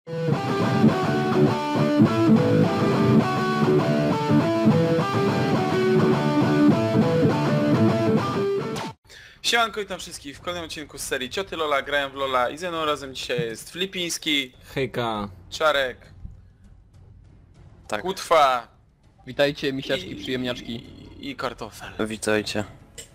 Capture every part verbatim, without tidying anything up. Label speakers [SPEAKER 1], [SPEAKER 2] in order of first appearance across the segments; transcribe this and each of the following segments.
[SPEAKER 1] Siemanko, witam wszystkich w kolejnym odcinku z serii Cioty Lola, grają w Lola i ze mną razem dzisiaj jest Filipiński,
[SPEAKER 2] Hejka.
[SPEAKER 1] Czarek,
[SPEAKER 3] Tak.
[SPEAKER 1] Kutwa.
[SPEAKER 4] Witajcie, misiaczki,
[SPEAKER 1] i,
[SPEAKER 4] przyjemniaczki.
[SPEAKER 1] I, i Kartofel.
[SPEAKER 3] Witajcie.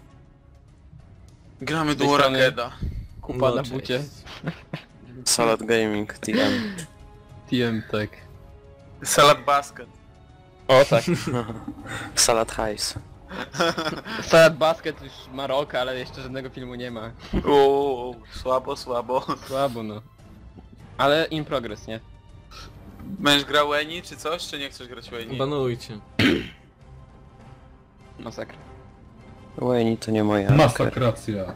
[SPEAKER 1] Gramy
[SPEAKER 4] Z tej
[SPEAKER 1] duo
[SPEAKER 4] strony-
[SPEAKER 1] Rakeda.
[SPEAKER 4] Kupa
[SPEAKER 2] No,
[SPEAKER 4] na
[SPEAKER 2] cześć.
[SPEAKER 4] bucie.
[SPEAKER 3] Salad Gaming, T M.
[SPEAKER 4] T M, tak.
[SPEAKER 1] Salad Basket.
[SPEAKER 4] O tak.
[SPEAKER 3] Salad Hajs.
[SPEAKER 4] Salad Basket już ma rok, ale jeszcze żadnego filmu nie ma.
[SPEAKER 1] Uuu, słabo, słabo.
[SPEAKER 4] Słabo no. Ale in progress, nie?
[SPEAKER 1] Będziesz grał Eni czy coś, czy nie chcesz grać Eni?
[SPEAKER 2] Banujcie.
[SPEAKER 4] Masakra.
[SPEAKER 3] Wayne to nie moja. Masak.
[SPEAKER 5] Masakracja.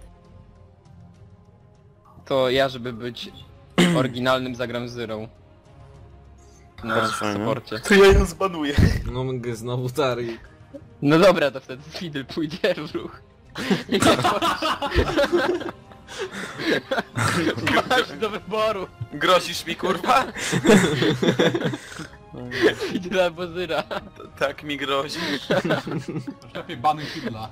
[SPEAKER 4] To ja, żeby być oryginalnym, zagram Zero. Na
[SPEAKER 3] Bardzo fajnie.
[SPEAKER 4] supporcie.
[SPEAKER 1] To ja ją zbanuję.
[SPEAKER 2] No mogę znowu Tari.
[SPEAKER 4] No dobra, to wtedy Fiddle pójdzie w ruch. Masz do wyboru.
[SPEAKER 1] Grozisz mi, kurwa?
[SPEAKER 4] Fiddle albo Zyra.
[SPEAKER 1] Tak mi grozisz.
[SPEAKER 5] Lepiej banuj Fidla.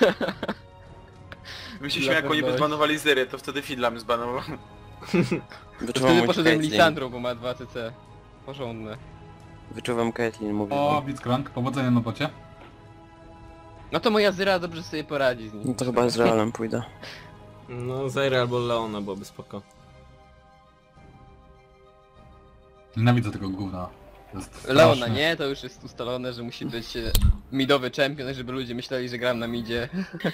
[SPEAKER 1] My się
[SPEAKER 4] Dla
[SPEAKER 1] śmiał, jak oni by
[SPEAKER 4] pewności.
[SPEAKER 1] zbanowali Zyry, to wtedy Fidla bym zbanował.
[SPEAKER 3] Wyczuwam
[SPEAKER 4] Wtedy
[SPEAKER 3] mój
[SPEAKER 4] poszedłem
[SPEAKER 3] Caitlyn.
[SPEAKER 4] Lisandrą, bo ma dwa C C. Porządne.
[SPEAKER 3] Wyczuwam Caitlyn, mówię
[SPEAKER 5] O,
[SPEAKER 3] wam.
[SPEAKER 5] Blitzcrank, powodzenia na bocie.
[SPEAKER 4] No to moja Zyra dobrze sobie poradzi z nim.
[SPEAKER 3] No to chyba z Realem pójdę.
[SPEAKER 2] No Zaire albo Leona byłoby spoko.
[SPEAKER 5] Nienawidzę tego gówna. To jest straszne.
[SPEAKER 4] Leona nie, to już jest ustalone, że musi być e, midowy champion, żeby ludzie myśleli, że gram na midzie.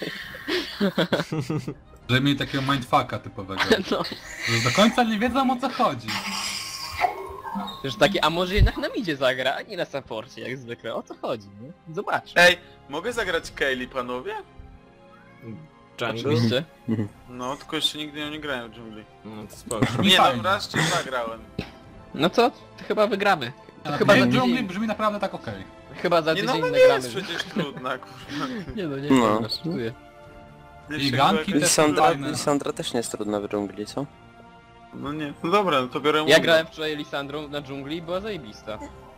[SPEAKER 5] Żeby mieli takiego mindfucka typowego.
[SPEAKER 4] No.
[SPEAKER 5] Że do końca nie wiedzą, o co chodzi.
[SPEAKER 4] Że takie, a może jednak na midzie zagra, a nie na supporcie, jak zwykle. O co chodzi, nie? Zobacz.
[SPEAKER 1] Ej, mogę zagrać Kaylee, panowie?
[SPEAKER 2] Jungle?
[SPEAKER 4] Oczywiście.
[SPEAKER 1] No, tylko jeszcze nigdy ją nie grałem w dżungli.
[SPEAKER 2] No to spoko.
[SPEAKER 1] Nie no,
[SPEAKER 5] Fajnie.
[SPEAKER 1] raz czy zagrałem.
[SPEAKER 4] No co? To chyba wygramy. To
[SPEAKER 5] Ale
[SPEAKER 4] chyba za
[SPEAKER 5] w dżungli
[SPEAKER 4] tydzień,
[SPEAKER 5] brzmi naprawdę tak okej.
[SPEAKER 4] chyba za
[SPEAKER 1] Nie
[SPEAKER 4] tydzień
[SPEAKER 1] no, ona nie
[SPEAKER 4] nagramy.
[SPEAKER 1] jest przecież trudna, kurwa.
[SPEAKER 4] Nie no, nie
[SPEAKER 3] No.
[SPEAKER 4] no. żartuję.
[SPEAKER 1] Nie
[SPEAKER 5] I
[SPEAKER 1] się
[SPEAKER 5] ganki
[SPEAKER 1] jakaś-
[SPEAKER 5] też
[SPEAKER 3] Lisandra,
[SPEAKER 5] fajne.
[SPEAKER 3] Lisandra też nie jest trudna w dżungli, co?
[SPEAKER 1] No nie, no dobra, no to biorę
[SPEAKER 4] Ja
[SPEAKER 1] Mungo.
[SPEAKER 4] grałem wczoraj Lisandrą na dżungli i była zajebista.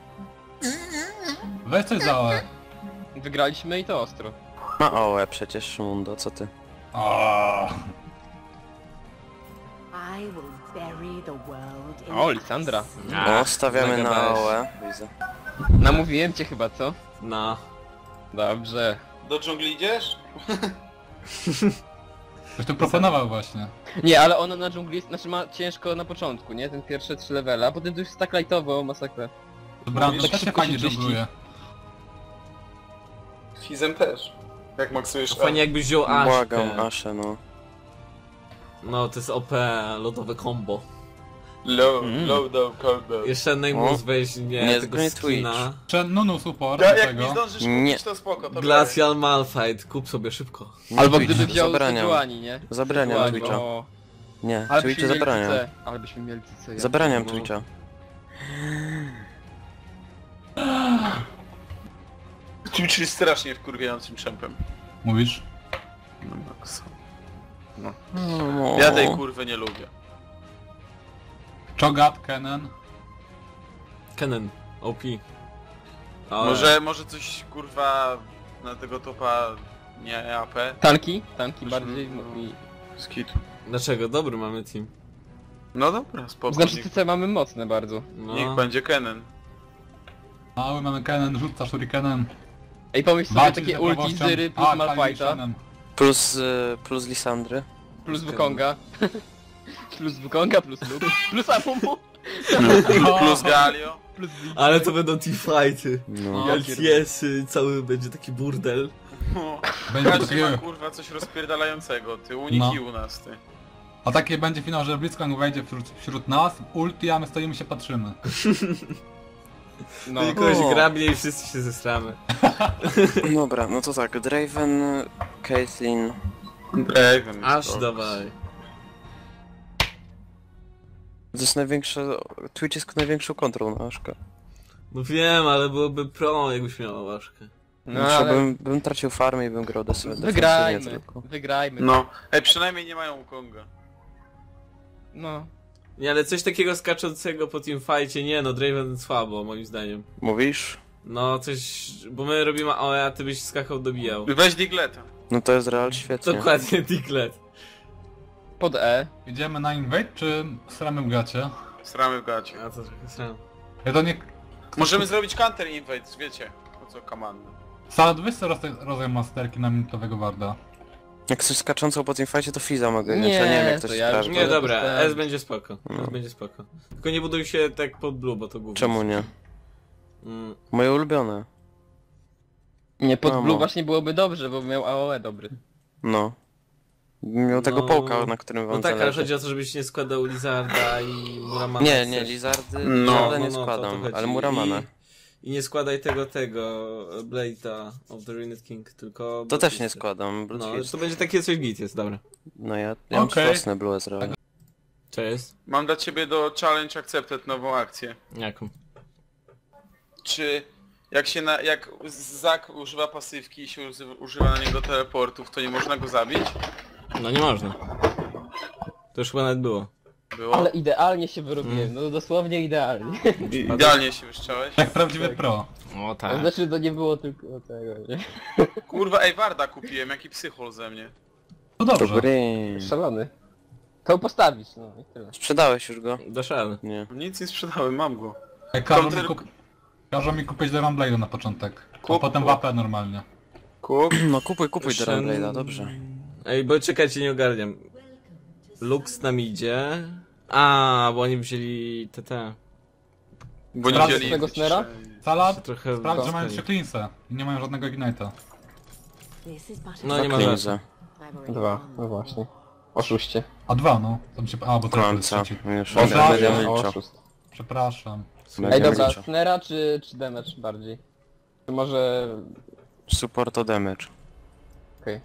[SPEAKER 5] Weź coś za O E.
[SPEAKER 4] Wygraliśmy i to ostro.
[SPEAKER 3] Ma O E przecież, Mundo, co ty?
[SPEAKER 5] O,
[SPEAKER 6] I will bury the world in
[SPEAKER 4] O, Lisandra.
[SPEAKER 3] O, stawiamy na
[SPEAKER 2] zagadałeś.
[SPEAKER 3] O E. Widzę.
[SPEAKER 4] Namówiłem cię chyba, co?
[SPEAKER 2] No.
[SPEAKER 4] Dobrze.
[SPEAKER 1] Do dżungli idziesz?
[SPEAKER 5] ktoś tu proponował właśnie.
[SPEAKER 4] Nie, ale ona na dżungli jest, znaczy ma ciężko na początku, nie? Ten pierwsze trzy levele, a potem to już jest tak lightowo, masakra.
[SPEAKER 5] Brandon
[SPEAKER 4] tak
[SPEAKER 5] też się
[SPEAKER 4] szybko
[SPEAKER 5] fajnie
[SPEAKER 4] się czyści.
[SPEAKER 5] dżungluje.
[SPEAKER 1] Fizem też. Jak maksujesz
[SPEAKER 2] Fajnie jakbyś wziął
[SPEAKER 3] Błagam,
[SPEAKER 2] Ashkę.
[SPEAKER 3] Aszę, no.
[SPEAKER 2] No to jest O P, lodowe combo.
[SPEAKER 1] Low,
[SPEAKER 4] Mm.
[SPEAKER 1] low, down, cold down.
[SPEAKER 2] Jeszcze Neymus weźmie
[SPEAKER 3] Nie,
[SPEAKER 2] tego
[SPEAKER 3] nie
[SPEAKER 2] skina.
[SPEAKER 5] Jeszcze Nunu support
[SPEAKER 1] Ja,
[SPEAKER 5] do
[SPEAKER 1] jak mi
[SPEAKER 5] tego.
[SPEAKER 1] zdążysz
[SPEAKER 3] Nie.
[SPEAKER 1] kupić, to spoko, to
[SPEAKER 2] Glacial Malphite, kup sobie szybko.
[SPEAKER 3] Nie
[SPEAKER 4] Albo
[SPEAKER 3] Twitch,
[SPEAKER 4] gdyby wziął
[SPEAKER 3] zabraniam.
[SPEAKER 4] Sejuani, nie?
[SPEAKER 3] Zabraniam
[SPEAKER 4] Sejuani,
[SPEAKER 3] Twitcha.
[SPEAKER 4] o.
[SPEAKER 3] Nie,
[SPEAKER 4] Ale
[SPEAKER 3] Twitcha
[SPEAKER 4] byśmy mieli
[SPEAKER 3] zabraniam.
[SPEAKER 4] C C. Ale byśmy mieli C C. ja
[SPEAKER 3] Zabraniam
[SPEAKER 4] pierdolę.
[SPEAKER 3] Twitcha.
[SPEAKER 1] Twitch jest strasznie wkurwiającym czempem.
[SPEAKER 5] Mówisz?
[SPEAKER 1] No max.
[SPEAKER 3] No.
[SPEAKER 1] Ja tej kurwy nie lubię.
[SPEAKER 5] Cho'Gath, Kennen.
[SPEAKER 2] Kennen, O P. Ale...
[SPEAKER 1] Może, może coś kurwa na tego topa nie A P?
[SPEAKER 4] Tanki? Tanki
[SPEAKER 1] Myśmy-
[SPEAKER 4] bardziej. no i-
[SPEAKER 1] Skit.
[SPEAKER 2] Dlaczego? Dobry mamy team.
[SPEAKER 1] No dobra, spoko.
[SPEAKER 4] Znaczy
[SPEAKER 1] niech,
[SPEAKER 4] C C mamy mocne bardzo.
[SPEAKER 2] No.
[SPEAKER 1] niech będzie Kennen.
[SPEAKER 5] Mały mamy Kennen, rzuca shurikenem.
[SPEAKER 4] Ej, pomyśl sobie
[SPEAKER 5] Walczy
[SPEAKER 4] takie
[SPEAKER 5] z
[SPEAKER 4] ulti
[SPEAKER 5] proboszczem.
[SPEAKER 4] Zyry plus
[SPEAKER 5] A,
[SPEAKER 4] Malphite'a,
[SPEAKER 5] Kalishanem.
[SPEAKER 3] Plus, y, plus Lisandry.
[SPEAKER 4] plus Wukonga. Plus Wukonga, plus Luke, plus Amumu,
[SPEAKER 1] Plus Galio.
[SPEAKER 4] plus Ziggs.
[SPEAKER 2] Ale to będą teamfighty.
[SPEAKER 3] No.
[SPEAKER 4] Ja
[SPEAKER 2] L T S, y, cały będzie taki burdel.
[SPEAKER 1] No.
[SPEAKER 5] Będzie
[SPEAKER 1] Każdy ma
[SPEAKER 5] takie...
[SPEAKER 1] kurwa coś rozpierdalającego, ty uniki
[SPEAKER 5] No.
[SPEAKER 1] u nas, ty.
[SPEAKER 5] A takie będzie finał, że Blitzcrank wejdzie wśród, wśród nas, ulti, a my stoimy się patrzymy.
[SPEAKER 4] No.
[SPEAKER 2] Tylko kogoś
[SPEAKER 3] O.
[SPEAKER 2] grabnie i wszyscy się zesramy.
[SPEAKER 3] Dobra, no to tak, Draven, Caitlyn.
[SPEAKER 1] Draven.
[SPEAKER 2] Aż dawaj.
[SPEAKER 3] To jest największa... Twitch jest największą kontrą na Aszkę.
[SPEAKER 2] No wiem, ale byłoby pro, jakbyś miała ważkę.
[SPEAKER 4] No,
[SPEAKER 3] Znaczy,
[SPEAKER 4] ale
[SPEAKER 3] bym, bym tracił farmę i bym grał defensywnie
[SPEAKER 4] wygrajmy,
[SPEAKER 3] tylko.
[SPEAKER 4] wygrajmy.
[SPEAKER 1] No. Ej, przynajmniej nie mają Konga.
[SPEAKER 4] No.
[SPEAKER 2] Nie, ale coś takiego skaczącego po teamfightie, nie no, Draven słabo, moim zdaniem.
[SPEAKER 3] Mówisz?
[SPEAKER 2] No, coś... bo my robimy A O E, a ty byś skakał, dobijał.
[SPEAKER 1] Weź Digleta.
[SPEAKER 3] No to jest real świetnie.
[SPEAKER 2] Dokładnie, Diglett.
[SPEAKER 4] Pod E.
[SPEAKER 5] Idziemy na invade, czy stramy w gacie?
[SPEAKER 1] Sramy w gacie.
[SPEAKER 2] A to trochę sram.
[SPEAKER 5] Ja to nie...
[SPEAKER 1] Możemy zrobić counter invade, wiecie. Po co komandę.
[SPEAKER 5] Salad, weź sobie roz- rodzaj masterki na minutowego warda.
[SPEAKER 3] Jak coś skaczącą po teamfightie, to Fiza mogę,
[SPEAKER 4] Nie,
[SPEAKER 3] nie, to nie wiem jak to
[SPEAKER 4] to
[SPEAKER 3] się
[SPEAKER 4] ja
[SPEAKER 3] sprawdzi.
[SPEAKER 4] już
[SPEAKER 2] Nie,
[SPEAKER 4] Ale
[SPEAKER 2] dobra,
[SPEAKER 4] dostałem.
[SPEAKER 2] S będzie spoko.
[SPEAKER 3] No.
[SPEAKER 2] S będzie spoko. Tylko nie buduj się tak pod blue, bo to gówno.
[SPEAKER 3] Czemu nie?
[SPEAKER 2] Mm,
[SPEAKER 3] Moje ulubione.
[SPEAKER 4] Nie, pod
[SPEAKER 3] No,
[SPEAKER 4] blue
[SPEAKER 3] no.
[SPEAKER 4] właśnie byłoby dobrze, bo miał A O E dobry.
[SPEAKER 3] No. Miał tego
[SPEAKER 2] No.
[SPEAKER 3] połka, na którym wam
[SPEAKER 2] no tak, ale
[SPEAKER 3] zależy.
[SPEAKER 2] chodzi o to, żebyś nie składał Lizarda i Muramana.
[SPEAKER 3] Nie,
[SPEAKER 2] jak
[SPEAKER 3] nie,
[SPEAKER 2] chcesz.
[SPEAKER 3] Lizardy,
[SPEAKER 1] No,
[SPEAKER 3] Lizarda
[SPEAKER 2] no,
[SPEAKER 3] nie
[SPEAKER 2] no, to o to
[SPEAKER 3] składam,
[SPEAKER 2] chodzi.
[SPEAKER 3] ale Muramana.
[SPEAKER 2] I, I nie składaj tego, tego, Blade'a of the Ruined King, tylko...
[SPEAKER 3] To też nie
[SPEAKER 2] Bloodfisty.
[SPEAKER 3] składam,
[SPEAKER 2] No,
[SPEAKER 3] Bloodfist.
[SPEAKER 2] to będzie takie coś git jest, dobra.
[SPEAKER 3] No ja, ja mam
[SPEAKER 5] Okej.
[SPEAKER 3] własne Blue Ezreal.
[SPEAKER 2] Co jest?
[SPEAKER 1] Mam dla ciebie do challenge accepted nową akcję.
[SPEAKER 2] Jaką?
[SPEAKER 1] Czy jak się na, jak Zak używa pasywki i się uzy- używa na niego teleportów, to nie można go zabić?
[SPEAKER 2] No nie można. To już chyba nawet było.
[SPEAKER 1] Było?
[SPEAKER 4] Ale idealnie się wyrobiłem, no dosłownie idealnie.
[SPEAKER 1] I- Idealnie się wyszczałeś.
[SPEAKER 5] Jak prawdziwy pro.
[SPEAKER 2] O
[SPEAKER 4] To
[SPEAKER 2] tak.
[SPEAKER 4] znaczy to nie było tylko tego, nie?
[SPEAKER 1] Kurwa, ej Warda kupiłem, jaki psychol ze mnie.
[SPEAKER 5] To dobrze.
[SPEAKER 3] Dobry.
[SPEAKER 4] Szalony. To postawić, no i tyle.
[SPEAKER 3] Sprzedałeś już go?
[SPEAKER 2] Dasz radę.
[SPEAKER 3] Nie.
[SPEAKER 1] Nic nie sprzedałem, mam go.
[SPEAKER 5] Ej, każą, mi
[SPEAKER 1] Counter-
[SPEAKER 5] kup... każą mi kupić Devon Blade'a na początek. A
[SPEAKER 1] Kup,
[SPEAKER 5] potem
[SPEAKER 1] kup.
[SPEAKER 5] W A P normalnie.
[SPEAKER 1] Kup.
[SPEAKER 3] No kupuj, kupuj
[SPEAKER 2] Shen-
[SPEAKER 3] Dragon Blade'a, dobrze.
[SPEAKER 2] Ej, bo czekajcie, nie ogarniam. Lux nam idzie. A, bo oni wzięli T T.
[SPEAKER 1] Bo nie
[SPEAKER 5] Sprawdź
[SPEAKER 1] wzięli...
[SPEAKER 4] tego snera?
[SPEAKER 5] Salad,
[SPEAKER 2] Trochę
[SPEAKER 5] sprawdź, że mają
[SPEAKER 2] dostali.
[SPEAKER 5] trzy cleanse i nie mają żadnego ignite'a.
[SPEAKER 6] This is but
[SPEAKER 2] No nie ma
[SPEAKER 3] Cleanse.
[SPEAKER 2] żadnych.
[SPEAKER 6] I've already
[SPEAKER 4] Dwa,
[SPEAKER 6] won.
[SPEAKER 4] no właśnie. Oszuście.
[SPEAKER 5] A dwa, no. Tam się... A, bo to jest
[SPEAKER 3] Końca.
[SPEAKER 5] trzeci.
[SPEAKER 3] Już
[SPEAKER 5] Boże,
[SPEAKER 3] będę
[SPEAKER 5] Boże,
[SPEAKER 3] liczył.
[SPEAKER 4] oszust.
[SPEAKER 5] Przepraszam.
[SPEAKER 4] Ej
[SPEAKER 3] Będę
[SPEAKER 4] dobra,
[SPEAKER 3] liczył.
[SPEAKER 4] snera czy, czy damage bardziej? Czy może...
[SPEAKER 3] Support to damage.
[SPEAKER 4] Okej.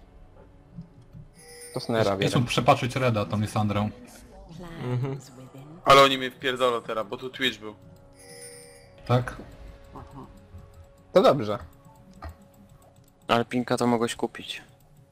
[SPEAKER 4] To snera,
[SPEAKER 5] Idź
[SPEAKER 4] wiem.
[SPEAKER 5] mu przepatrzyć Reda, tą Lisandrą.
[SPEAKER 6] Plans within.
[SPEAKER 1] Ale oni mnie wpierdolą teraz, bo tu Twitch był.
[SPEAKER 5] Tak?
[SPEAKER 4] To dobrze.
[SPEAKER 3] Ale Pinka to mogłeś kupić.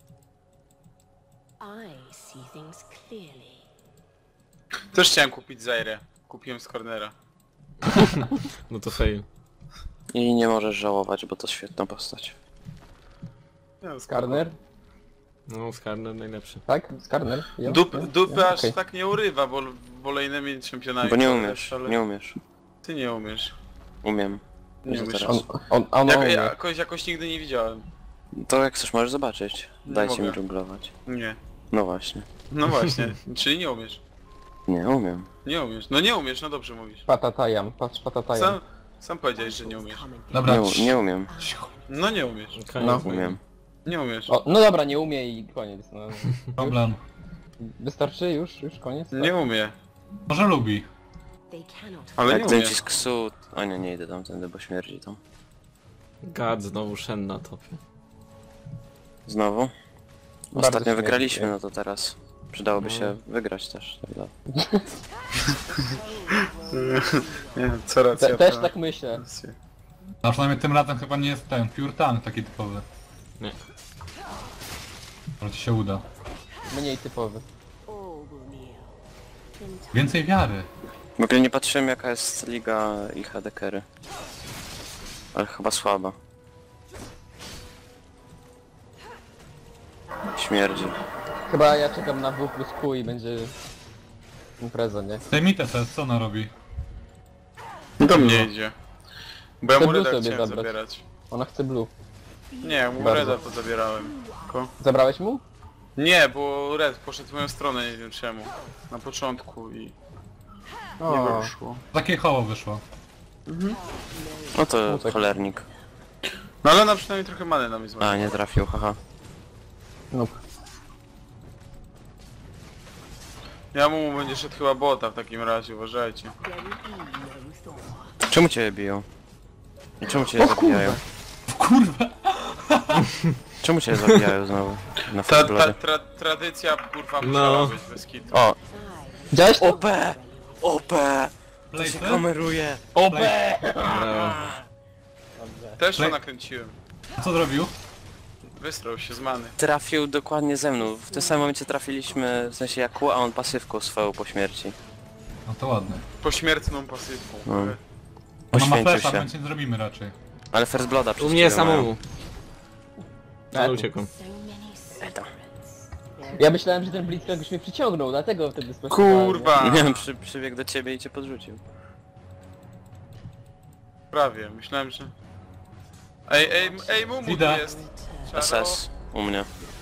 [SPEAKER 6] I see things clearly.
[SPEAKER 1] Też chciałem kupić Zaire. Kupiłem z cornera.
[SPEAKER 2] No to fail.
[SPEAKER 3] I nie możesz żałować, bo to świetna postać.
[SPEAKER 1] Ja,
[SPEAKER 4] Skarner?
[SPEAKER 2] No, Skarner najlepszy.
[SPEAKER 4] Tak? Skarner? Ja?
[SPEAKER 1] Dup,
[SPEAKER 4] Ja?
[SPEAKER 1] dupy
[SPEAKER 4] Ja?
[SPEAKER 1] aż
[SPEAKER 4] Okej.
[SPEAKER 1] tak nie urywa, bo wolejnymi czempionami.
[SPEAKER 3] Bo nie
[SPEAKER 1] to
[SPEAKER 3] umiesz,
[SPEAKER 1] wiesz, ale
[SPEAKER 3] nie umiesz.
[SPEAKER 1] Ty nie umiesz.
[SPEAKER 3] Umiem.
[SPEAKER 1] Nie
[SPEAKER 3] Że
[SPEAKER 1] umiesz.
[SPEAKER 3] teraz.
[SPEAKER 4] On, on, on,
[SPEAKER 1] Jak,
[SPEAKER 4] on,
[SPEAKER 1] ja jakoś, jakoś nigdy nie widziałem.
[SPEAKER 3] To jak chcesz, możesz zobaczyć.
[SPEAKER 1] Nie
[SPEAKER 3] Dajcie
[SPEAKER 1] mogę.
[SPEAKER 3] mi dżunglować.
[SPEAKER 1] Nie.
[SPEAKER 3] No właśnie.
[SPEAKER 1] No właśnie. Czyli nie umiesz.
[SPEAKER 3] Nie, umiem.
[SPEAKER 1] Nie umiesz. No nie umiesz, no dobrze mówisz.
[SPEAKER 4] Patatajam, patrz patatajam.
[SPEAKER 1] Sam, sam powiedziałeś, że nie umiesz.
[SPEAKER 5] Dobra.
[SPEAKER 3] Nie, u- nie umiem.
[SPEAKER 1] No nie umiesz.
[SPEAKER 2] Koniec
[SPEAKER 4] No.
[SPEAKER 2] mojego.
[SPEAKER 3] Umiem.
[SPEAKER 1] Nie umiesz.
[SPEAKER 4] O, no dobra, nie umie i koniec. No.
[SPEAKER 5] Problem.
[SPEAKER 4] Wystarczy? Już? Już koniec?
[SPEAKER 1] Nie umie.
[SPEAKER 3] Tak.
[SPEAKER 5] Może lubi.
[SPEAKER 6] They cannot
[SPEAKER 1] Ale nie
[SPEAKER 3] Jak
[SPEAKER 1] umie.
[SPEAKER 3] ten cisk su... O nie, nie idę tamtędy, bo śmierdzi tam.
[SPEAKER 2] Gad, znowu Shen na topie.
[SPEAKER 3] Znowu?
[SPEAKER 4] Bardzo
[SPEAKER 3] Ostatnio
[SPEAKER 4] śmiesznie.
[SPEAKER 3] wygraliśmy, no to teraz przydałoby
[SPEAKER 2] No.
[SPEAKER 3] się wygrać też. Tak dalej.
[SPEAKER 1] Nie, co racja.
[SPEAKER 4] Te, też
[SPEAKER 1] to-
[SPEAKER 4] tak myślę.
[SPEAKER 1] rację.
[SPEAKER 5] A przynajmniej tym razem chyba nie jest ten pure tank taki typowy.
[SPEAKER 2] Nie.
[SPEAKER 5] Może ci się uda.
[SPEAKER 4] Mniej typowy.
[SPEAKER 6] all will kneel. In time.
[SPEAKER 5] Więcej wiary.
[SPEAKER 3] W ogóle nie patrzyłem jaka jest liga i H D Kery. Ale chyba słaba. Śmierdzi.
[SPEAKER 4] Chyba ja czekam na W plus Q i będzie impreza, nie?
[SPEAKER 5] Zdejmijcie se, co ona robi?
[SPEAKER 1] Do mnie idzie. Bo ja
[SPEAKER 4] Chcę
[SPEAKER 1] mu
[SPEAKER 4] blue
[SPEAKER 1] Reda
[SPEAKER 4] sobie
[SPEAKER 1] chciałem
[SPEAKER 4] zabrać.
[SPEAKER 1] zabierać.
[SPEAKER 4] Ona chce blue.
[SPEAKER 1] Nie, ja mu
[SPEAKER 4] Bardzo.
[SPEAKER 1] Reda to zabierałem. Tylko...
[SPEAKER 4] Zabrałeś mu?
[SPEAKER 1] Nie, bo Red poszedł w moją stronę, nie wiem czemu. Na początku i nie
[SPEAKER 4] O,
[SPEAKER 1] wyszło.
[SPEAKER 5] Takie hoło wyszło.
[SPEAKER 3] No to
[SPEAKER 4] Uciekł.
[SPEAKER 3] cholernik.
[SPEAKER 1] No ale ona przynajmniej trochę many na mnie zmarła.
[SPEAKER 3] A, nie trafił, haha.
[SPEAKER 4] no.
[SPEAKER 1] Ja mu będzie szedł chyba bota w takim razie, uważajcie.
[SPEAKER 6] There will be no thought.
[SPEAKER 3] Czemu cię biją? I czemu cię zabijają?
[SPEAKER 5] Kurwa!
[SPEAKER 3] Czemu cię zabijają znowu? Na
[SPEAKER 1] Ta, ta
[SPEAKER 3] Fastbloody.
[SPEAKER 1] tra, tradycja kurwa
[SPEAKER 2] No.
[SPEAKER 1] musiała być bez kitu.
[SPEAKER 3] O!
[SPEAKER 4] Widziałeś to?
[SPEAKER 3] O P! O P! To się
[SPEAKER 5] Blade'y?
[SPEAKER 3] kameruje!
[SPEAKER 4] O B!
[SPEAKER 2] Brawo.
[SPEAKER 1] Też to
[SPEAKER 5] Play-
[SPEAKER 1] nakręciłem.
[SPEAKER 5] A co zrobił?
[SPEAKER 1] Wystrał się z many.
[SPEAKER 3] Trafił dokładnie ze mną. W tym samym momencie trafiliśmy, w sensie jak Q, a on pasywką swoją po śmierci.
[SPEAKER 5] No to ładne.
[SPEAKER 1] Pośmiertną pasywką.
[SPEAKER 3] No.
[SPEAKER 5] Ona ma
[SPEAKER 3] Poświęcił
[SPEAKER 5] flasha,
[SPEAKER 3] się.
[SPEAKER 5] więc nie zrobimy raczej.
[SPEAKER 3] Ale First Blooda
[SPEAKER 2] U mnie
[SPEAKER 3] przecież mają.
[SPEAKER 2] samemu. Ale uciekłem.
[SPEAKER 6] So many secrets.
[SPEAKER 4] Ja myślałem, że ten Blitzcrank już mnie przyciągnął, dlatego wtedy sproszowałem.
[SPEAKER 1] Kurwa!
[SPEAKER 3] Nie wiem, przy, przybiegł do ciebie i cię podrzucił.
[SPEAKER 1] Prawie, myślałem, że... Ej, ej, ej, Mumu tu
[SPEAKER 5] Idę.
[SPEAKER 1] jest! Czaro.
[SPEAKER 3] S S u mnie.